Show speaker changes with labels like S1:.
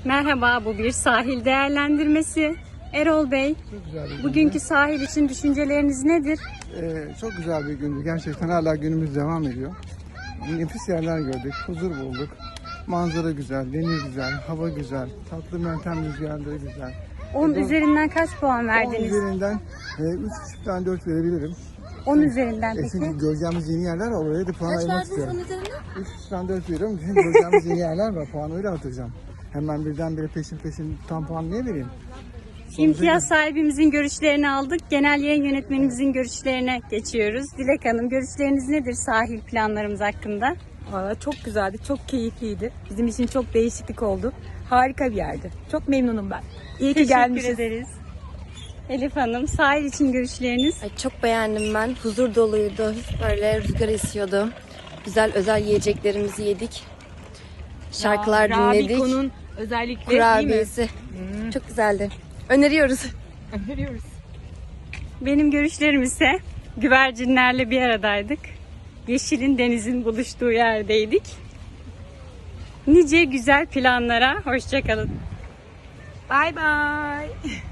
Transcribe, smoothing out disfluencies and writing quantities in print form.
S1: Merhaba, bu bir sahil değerlendirmesi. Erol Bey,
S2: Çok güzel bir gündü.
S1: bugünkü sahil için düşünceleriniz nedir?
S2: Çok güzel bir gündü. Gerçekten hala günümüz devam ediyor. Nefis yerler gördük, huzur bulduk. Manzara güzel, deniz güzel, hava güzel, tatlı meltem rüzgarları güzel.
S1: 10 üzerinden kaç puan
S2: 10
S1: verdiniz?
S2: üzerinden 3,5'dan 4 verebilirim.
S1: 10 üzerinden
S2: Çünkü
S1: peki?
S2: göreceğimiz yeni yerler var. Oraya da puan
S3: Kaç
S2: ayırmak
S3: verdiniz
S2: istiyorum.
S3: 10 üzerinden?
S2: 3,5'dan 4 veriyorum. Çünkü göreceğimiz yeni yerler var. Puanı öyle atacağım. Hemen birdenbire peşin tam puan niye vereyim?
S1: İmtiyaz sahibimizin görüşlerini aldık. Genel yayın yönetmenimizin görüşlerine geçiyoruz. Dilek Hanım, görüşleriniz nedir sahil planlarımız hakkında?
S4: Valla çok güzeldi, çok keyifliydi. Bizim için çok değişiklik oldu. Harika bir yerdi. Çok memnunum ben. İyi ki
S1: Teşekkür
S4: gelmişiz.
S1: ederiz. Elif Hanım, sahil için görüşleriniz?
S3: Ay, çok beğendim ben. Huzur doluydu. Böyle rüzgar esiyordu. Güzel özel yiyeceklerimizi yedik. Şarkılar dinledik.
S4: Rabiko'nun özellikle değil mi?
S3: Kurabiyesi. Çok güzeldi. Öneriyoruz.
S4: Öneriyoruz.
S1: Benim görüşlerim ise güvercinlerle bir aradaydık. Yeşilin denizin buluştuğu yerdeydik. Nice güzel planlara hoşça kalın.
S4: Bye bye.